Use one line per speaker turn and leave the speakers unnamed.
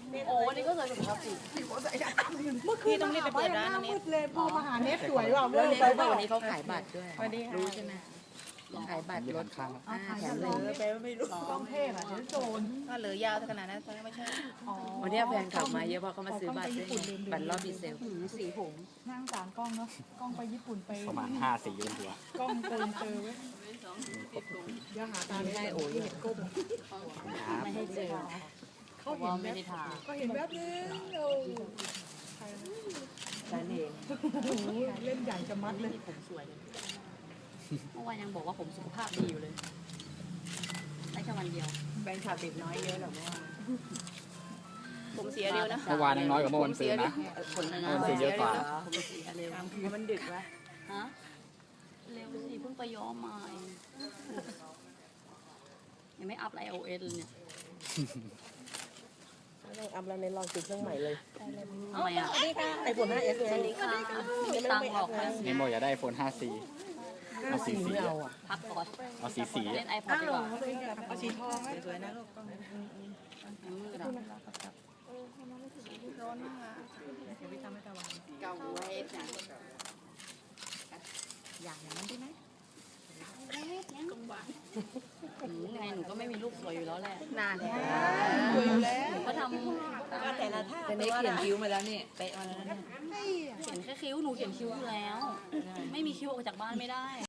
โอ้วันนี้ก็เลยสุขภาพจิต
เมื่อคืนต้องรีบไปเปิดร้านนี้เลยพอมาหาเน็ตสวยว่ะ
แล้ว
เว้ย
นี่เขาบอกวันนี้เขาขายบัตรด้วย
สวัสดีค่ะ
รู้ใช่ไหมขายบัตรรถข้างแถมเลย
ไปไม่รู้ต้องเทพอ่ะเดี๋ยวโจรก็เหลือยาวขนาดนั้นไม่ใช่
วันนี้แฟนขับมาเยอะเพราะเขามาซื้อบัตรด้วยบัตรรอบดีเซลสีผม
นั่งสามกล้องเนาะกล้องไปญี่ปุ่นไป
ประมาณ5 สีบนหัว
กล้องโกนเจอเว้ยเดี๋ยวหาตา
ไม่ได้โอ้ย
เห็นก้ม
ไม่ให้เจอ
เขาเห็น
ไม่
แบ
ได้
บ
ทา
ก็เห็นแบบนึงโอ้
ฉันเอง
โหเล่นใหญ่จะมัดเลย
ผมสวยเลยเมื่อวานยังบอกว่าผมสุขภาพดีอยู่เลยได้แค่วันเดียวแบงค์ขาติดน้อยเยอะหรอเมื่อวาน
ผมเสียเร็วนะ
เมื่อวานยังน้อยกว่าเมื่อวันซื้อนะ
คนนะ
ผมเสียเยอะกว่า
ผมเสียเร็วมันดึกวะฮะเร็วสิเพิ่งไปย้อมมาเองยังไม่อัพไลโอเอสเลยเนี่ย
ลองอัพแล้วในลองติดเครื่องใหม่เลย
ทำไมอ่ะ
ไอโฟน 5S ไง
สวัสดีค่ะไม่ตังค์หรอกค่ะ
นี่โมอยากได้ iPhone 5C เอาสี
ไม่เอาอ่ะ
พักก่อน
เอาสี
เล่นไอพอดดีกว่า
เอาสีทองไหม
สวยๆนะลูกมืดอ่ะร้อนมากเดี๋ยวพี่ทำให้ตะวันเก่าไว้จ้ะอยากอย่างนั้นได้ไหมยังไงหนูก็ไม่มีลูกสวยอยู่แล้วแหละนานแล้ว
สวยอยู่แล้ว
หนูก็ทำแต่ละท่าเป็นเขียนคิ้วมาแล้วนี่เป๊ะมาแล้วเนี่ยเขียนแค่คิ้วหนูเขียนคิ้วอยู่แล้ว ไม่มีคิ้วออกจากบ้านไม่ได้